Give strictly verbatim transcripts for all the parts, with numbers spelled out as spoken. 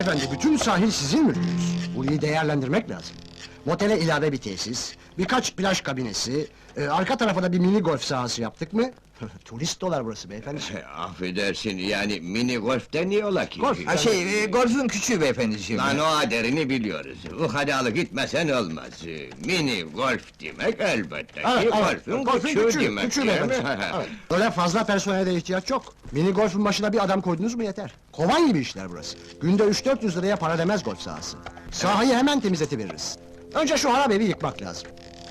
Efendi, bütün sahil sizin mülkünüz. Burayı değerlendirmek lazım. Motele ilave bir tesis, birkaç plaj kabinesi, e, arka tarafa da bir mini golf sahası yaptık mı? Turist dolar burası beyefendi. Affedersin, yani mini golf deniyorlar ki. Golf, Ha şey, e, golfün küçüğü beyefendiciğim. Lan o aderini biliyoruz. Ukalalı gitmesen olmaz. Mini golf demek elbette ki Evet, evet, golfün golfün küçüğü küçüğü, demek, küçüğü değil mi? beyefendi. Evet. Öyle fazla personele de ihtiyaç yok. Mini golfün başına bir adam koydunuz mu yeter. Kovan gibi işler burası. Günde üç dört yüz liraya para demez golf sahası. Sahayı hemen temizletiveririz. Önce şu harap evi yıkmak lazım.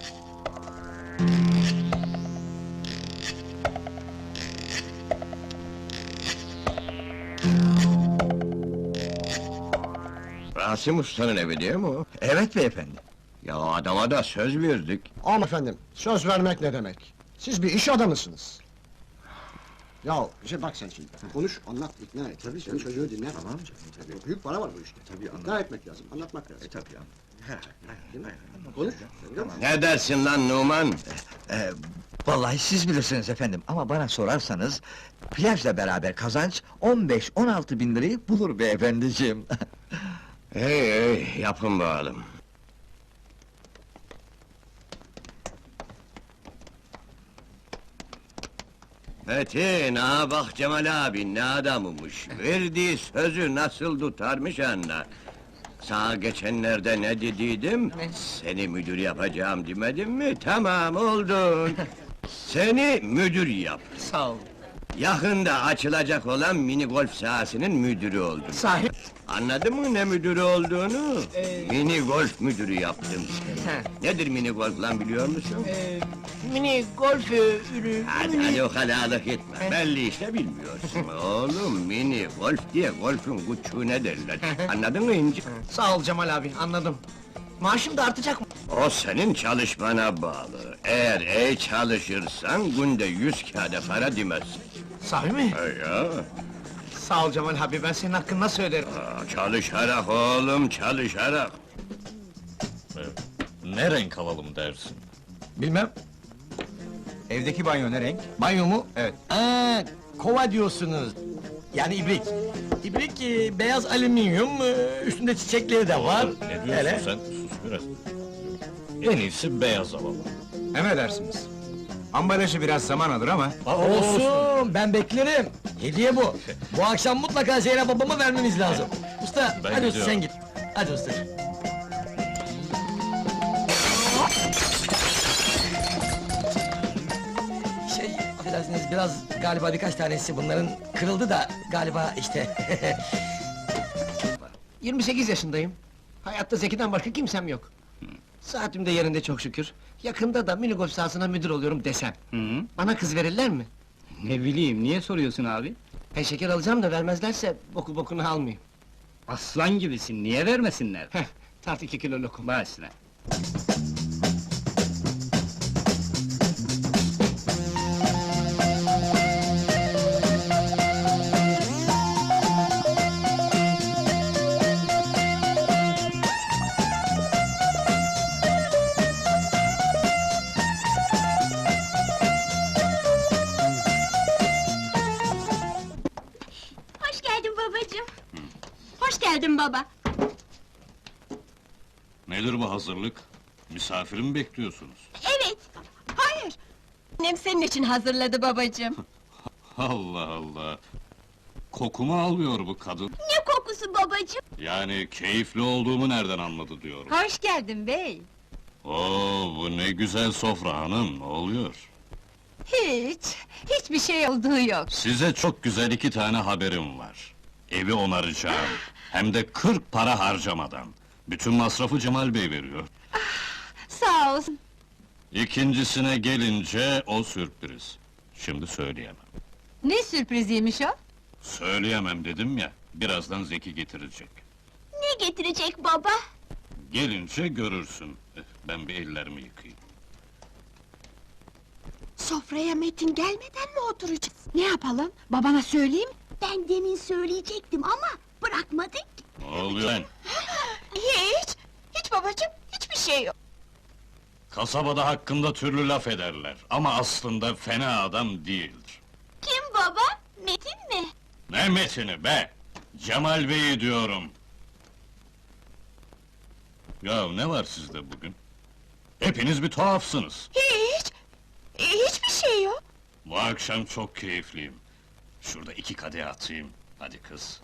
Rasim Usta'nın evi değil mi o? Evet beyefendi. Ya adama da söz verdik. Ama efendim, söz vermek ne demek? Siz bir iş adamısınız. Ya, şey bak sen şimdi, konuş, anlat, ikna et. Tabii sen çocuğu dinle. Tamam canım, tabii. Büyük para var bu işte. Tabii, ikna etmek lazım, anlatmak lazım. E, tabii, değil mi? Konuş, tamam. Ne dersin lan Numan? Ee, vallahi siz bilirsiniz efendim, ama bana sorarsanız... ...plajla beraber kazanç on beş on altı bin lirayı bulur beyefendiciğim. Hey hey, yapın bakalım. Metin, ha bak Cemal abi ne adamımış. Verdiği sözü nasıl tutarmış anla. Sana geçenlerde ne dediydim? Seni müdür yapacağım demedim mi? Tamam, oldun. Seni müdür yap. Sağ ol. Yakında açılacak olan mini golf sahasının müdürü oldun. Sahi? Anladın mı ne müdürü olduğunu? Mini golf müdürü yaptım seni. Nedir mini golf lan biliyor musun? Mini golf ürü... Hadi hadi o kalalık etme, belli işte bilmiyorsun. Oğlum mini golf diye golfün küçüğüne derler. Anladın mı inci? Sağ ol Cemal abi, anladım. Maaşım da artacak mı? O senin çalışmana bağlı. Eğer iyi çalışırsan günde yüz kağıda para demezsin. Sahi mi? He ya, Sağ ol Cemal abi, ben senin hakkını nasıl öderim? aa, çalışarak oğlum, çalışarak. Ne renk alalım dersin? Bilmem. Evdeki banyo ne renk? Banyo mu? Evet. Aa, kova diyorsunuz. Yani ibrik. İbrik, e, beyaz alüminyum, e, üstünde çiçekleri de var. Ne diyorsun Hele. sen? Sus biraz. En iyisi beyaz alalım. Emredersiniz. Ambalajı biraz zaman alır ama... Olsun, ben beklerim. Hediye bu. Bu akşam mutlaka Zeynep babama vermemiz lazım. Usta, Ben hadi usta gidiyorum. sen git. Hadi usta. Şey, affedersiniz, biraz galiba birkaç tanesi bunların kırıldı da galiba işte. yirmi sekiz yaşındayım. Hayatta Zeki'den başka kimsem yok. Saatim de yerinde çok şükür. Yakında da mini golf sahasına müdür oluyorum desem. Hı, Bana kız verirler mi? ne bileyim, niye soruyorsun abi? Ben şeker alacağım da vermezlerse boku bokunu almayayım. Aslan gibisin, niye vermesinler? Heh, tart iki kilo lokum. Başla. Hoş geldin babacığım. Hoş geldin baba. Nedir bu hazırlık? Misafiri mi bekliyorsunuz? Evet. Hayır. Annem senin için hazırladı babacığım. Allah Allah! Kokumu alıyor bu kadın. Ne kokusu babacığım? Yani keyifli olduğumu nereden anladı diyorum. Hoş geldin bey. Oo, bu ne güzel sofra hanım, ne oluyor? Hiç, hiçbir şey olduğu yok. Size çok güzel iki tane haberim var. Evi onaracağım, hem de kırk para harcamadan. Bütün masrafı Cemal Bey veriyor. Sağ olsun. İkincisine gelince o sürpriz. Şimdi söyleyemem. Ne sürpriziymiş o? Söyleyemem dedim ya, birazdan Zeki getirecek. Ne getirecek baba? Gelince görürsün. Eh, Ben bir ellerimi yıkayayım. Sofraya Metin gelmeden mi oturacağız? Ne yapalım? Babana söyleyeyim. Ben demin söyleyecektim ama bırakmadık. Ne oluyor lan? Hiç, hiç babacığım, hiçbir şey yok. Kasabada hakkında türlü laf ederler, ama aslında fena adam değildir. Kim baba? Metin mi? Ne Metin'i be! Cemal Bey'i diyorum. Ya ne var sizde bugün? Hepiniz bir tuhafsınız. Hiç! e, Hiçbir şey yok. Bu akşam çok keyifliyim. Şurada iki kadeh atayım. Hadi kız.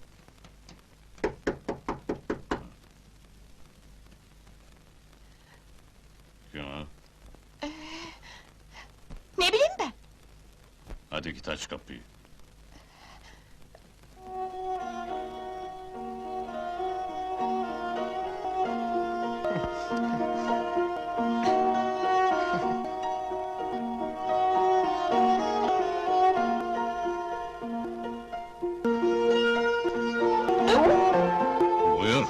Ya, Ne bileyim ben? hadi git aç kapıyı. Buyur.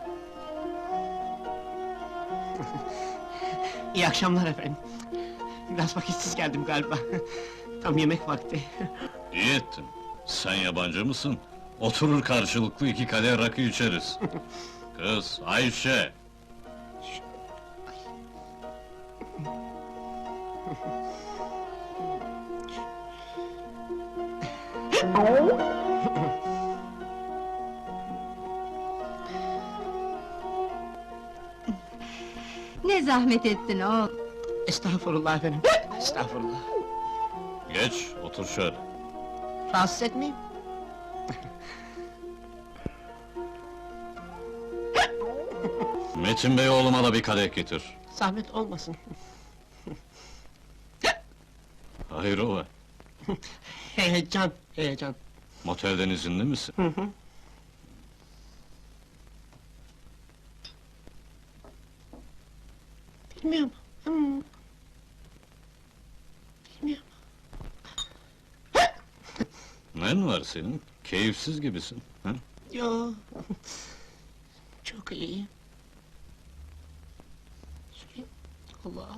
İyi akşamlar efendim. Biraz vakitsiz geldim galiba. Tam yemek vakti. İyi ettin. Sen yabancı mısın? Oturur karşılıklı iki kadeh rakı içeriz. Kız, Ayşe! Ne zahmet ettin oğul. Estağfurullah efendim. Estağfurullah. Geç, otur şöyle. Rahatsız etmeyeyim. Metin Bey oğluma da bir kadeh getir. Zahmet olmasın. Hayrola? Heyecan, heyecan. Motelden izinli misin? Hı hı. Bilmiyorum. Hmm. Bilmiyorum. Nen var senin? Keyifsiz gibisin. Ha? Yo. Çok iyi. Söyleyeyim. Allah.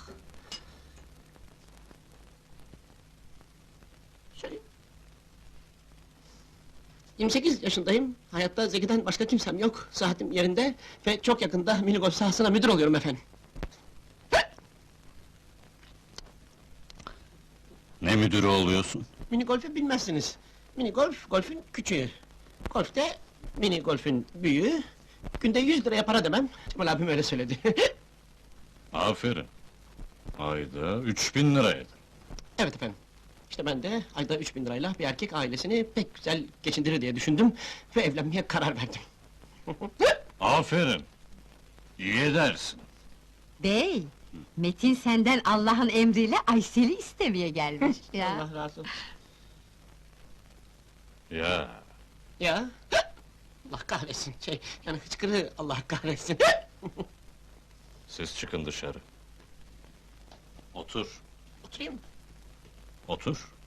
Söyleyeyim. yirmi sekiz yaşındayım. Hayatta Zeki'den başka kimsem yok. Saatim yerinde ve çok yakında mini golf sahasına müdür oluyorum efendim. Ne müdürü oluyorsun? Mini golfü bilmezsiniz. Mini golf, golfün küçüğü. Golfte mini golfün büyüğü. Günde yüz liraya para demem. Cemal abim öyle söyledi. Aferin. Ayda üç bin liraydı. Evet efendim. İşte ben de ayda üç bin lirayla bir erkek ailesini pek güzel geçindirir diye düşündüm ve evlenmeye karar verdim. Aferin. İyi edersin. Bey, Metin senden Allah'ın emriyle Aysel'i istemeye gelmiş ya. Allah razı olsun. Ya, Ya. Allah kahretsin. Şey, yani hıçkırığı Allah kahretsin. siz çıkın dışarı. Otur, Oturayım mı? otur.